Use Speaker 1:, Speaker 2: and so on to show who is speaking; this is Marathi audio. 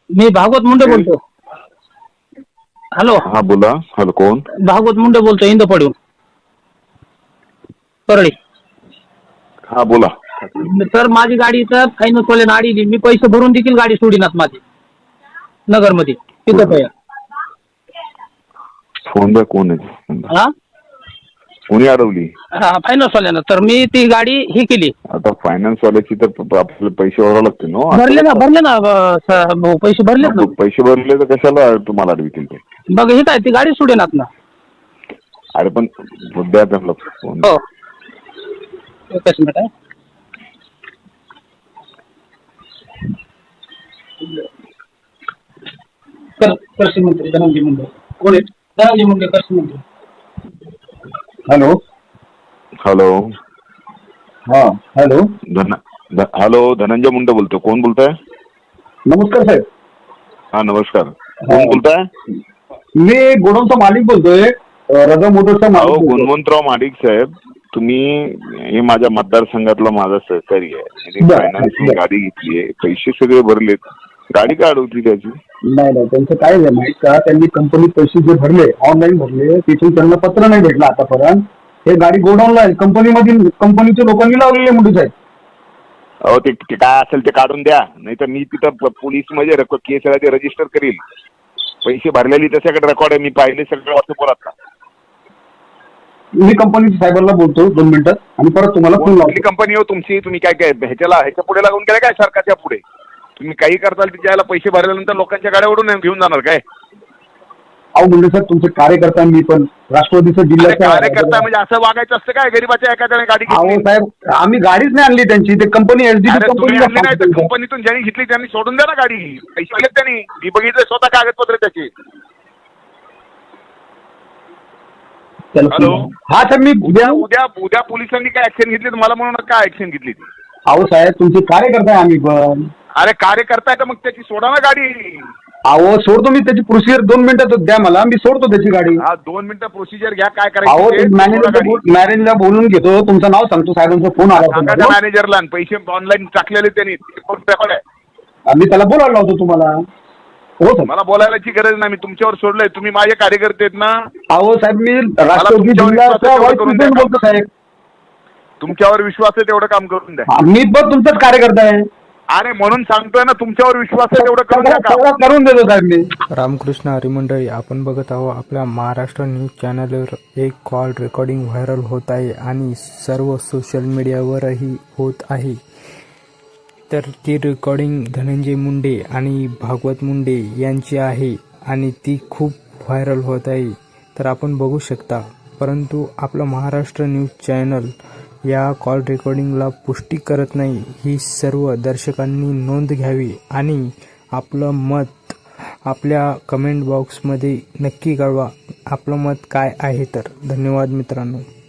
Speaker 1: मी भागवत मुंडे बोलतो. हॅलो.
Speaker 2: हा बोला. हॅलो, कोण?
Speaker 1: भागवत मुंडे बोलतो, इंदपडून परळी.
Speaker 2: हा बोला.
Speaker 1: सर माझी गाडी तर फायनान्स वाल्यानं अडीली. मी पैसे भरून देखील गाडी सोडीनात माझी नगरमध्ये तिथं काय.
Speaker 2: फोन बाय कोण आहे?
Speaker 1: हा
Speaker 2: कोणी अडवली?
Speaker 1: हा फायनान्स वाल्यानं. तर मी ती गाडी ही केली.
Speaker 2: आता फायनान्स वाल्याची तर आपल्याला पैसे भरावे लागतील ना.
Speaker 1: भरले ना भाऊ, पैसे भरलेत ना.
Speaker 2: पैसे भरले तर कशाला तुम्हाला अडवितील ते?
Speaker 1: बघ हे काय ती गाडी सोडेनात ना.
Speaker 2: अरे पण द्या त्यांना फोन.
Speaker 1: हो एकच मिनिट आहे. कृषी मंत्री धनंजय मुंडे. कोण आहे? धनंजय मुंडे, कृषी मंत्री.
Speaker 3: हॅलो.
Speaker 2: हॅलो.
Speaker 3: हा हॅलो.
Speaker 2: हॅलो, धनंजय मुंडे बोलतो. कोण बोलताय?
Speaker 3: नमस्कार साहेब.
Speaker 2: हा नमस्कार. कोण बोलताय?
Speaker 3: मी गोडाऊनचा मालिक बोलतोय, रजा मोटर्सचा
Speaker 2: अहो
Speaker 3: मालिक.
Speaker 2: गुणवंतराव माडिक साहेब, तुम्ही हे माझ्या मतदारसंघातला माझा सहकारी आहे. फायनान्स गाडी घेतली आहे, पैसे सगळे भरलेत, गाडी का अडवती त्याची?
Speaker 3: नाही त्यांचं काय आहे माहित का, त्यांनी कंपनीत पैसे जे भरले, ऑनलाईन भरले, तिथून त्यांना पत्र नाही भेटलं आतापर्यंत. हे गाडी गोडाऊनला आहे, कंपनीच्या लोकांनी लावलेले मुंडे साहेब.
Speaker 2: अहो ते काय असेल ते काढून द्या, नाही तर मी तिथं पोलीस मध्ये केस रजिस्टर करील. पैसे भरलेली त्याच्याकडे रेकॉर्ड आहे, मी पाहिले सगळं व्हॉट्सअपवर. आता
Speaker 3: मी कंपनीच्या साहेबांना बोलतो 2 मिनिटात आणि परत तुम्हाला फोन लावतो.
Speaker 2: कंपनी हो तुमची, तुम्ही काय काय ह्याच्या पुढे लागून गेला काय सरकारच्या पुढे? तुम्ही काही करताल त्याला पैसे भरल्यानंतर लोकांच्या गाड्या ओढून घेऊन जाणार काय?
Speaker 3: अहो मुंडे साहेब, तुमचे कार्यकर्ता मी पण राष्ट्रवादीचं जिल्ह्याचा
Speaker 2: कार्यकर्ता म्हणजे असं वागायचं असतं काय? गरीबाच्या एखाद्याने गाडी
Speaker 3: अहो
Speaker 2: घेतली?
Speaker 3: साहेब, आम्ही गाडीच नाही आणली त्यांची, ते कंपनी
Speaker 2: तुम्ही आणली नाही तर कंपनीतून ज्यांनी घेतली त्यांनी सोडून द्या ना गाडी. पैसे दिलेत त्यांनी, मी बघितलं स्वतः कागदपत्र त्याची. हॅलो.
Speaker 3: हा साहेब, मी
Speaker 2: उद्या उद्या उद्या पोलिसांनी काय ऍक्शन घेतली तर मला म्हणून काय ऍक्शन घेतली ती?
Speaker 3: अहो साहेब, तुमचे कार्यकर्ता आहे आम्ही पण.
Speaker 2: अरे कार्यकर्ता आहे तर मग त्याची सोडा ना गाडी.
Speaker 3: अहो सोडतो मी, त्याची प्रोसिजर 2 मिनिटात द्या मला, मी सोडतो त्याची गाडी.
Speaker 2: हा 2 मिनिटं प्रोसिजर घ्या, काय
Speaker 3: अहो
Speaker 2: करायचं?
Speaker 3: मॅनेजरला बोलून घेतो, तुमचं नाव सांगतो, साहेबांचा फोन
Speaker 2: सांगा त्या
Speaker 3: आला.
Speaker 2: मॅनेजरला. पैसे ऑनलाईन टाकलेले त्यांनी,
Speaker 3: मी त्याला बोलायला लावतो तुम्हाला. हो सर.
Speaker 2: मला बोलायची गरज नाही, मी तुमच्यावर सोडलंय. तुम्ही माझे कार्यकर्ते आहेत ना.
Speaker 3: अहो साहेब, मी राष्ट्रवादी जिल्ह्याचा व्हाईस प्रेसिडेंट बोलतो साहेब.
Speaker 2: तुमच्यावर विश्वास आहे तेवढं काम करून द्या.
Speaker 3: मी पण तुमचाच कार्यकर्ता आहे.
Speaker 2: अरे म्हणून सांगतोय ना, तुमच्यावर विश्वास आहे तेवढं करून द्या काम.
Speaker 3: करून देतो साहेब मी.
Speaker 4: रामकृष्ण हरी मंडळी, आपण बघत आहोत आपल्या महाराष्ट्र न्यूज चॅनलवर एक कॉल रेकॉर्डिंग व्हायरल होत आहे आणि सर्व सोशल मीडियावरही होत आहे. तर ती रेकॉर्डिंग धनंजय मुंडे आणि भागवत मुंडे यांची आहे आणि ती खूप व्हायरल होत आहे. तर आपण बघू शकता, परंतु आपलं महाराष्ट्र न्यूज चॅनल या कॉल रेकॉर्डिंगला पुष्टी करत नाही. ही सर्व दर्शकांनी नोंद घ्यावी आणि आपलं मत आपल्या कमेंट बॉक्समध्ये नक्की कळवा. आपलं मत काय आहे तर. धन्यवाद मित्रांनो.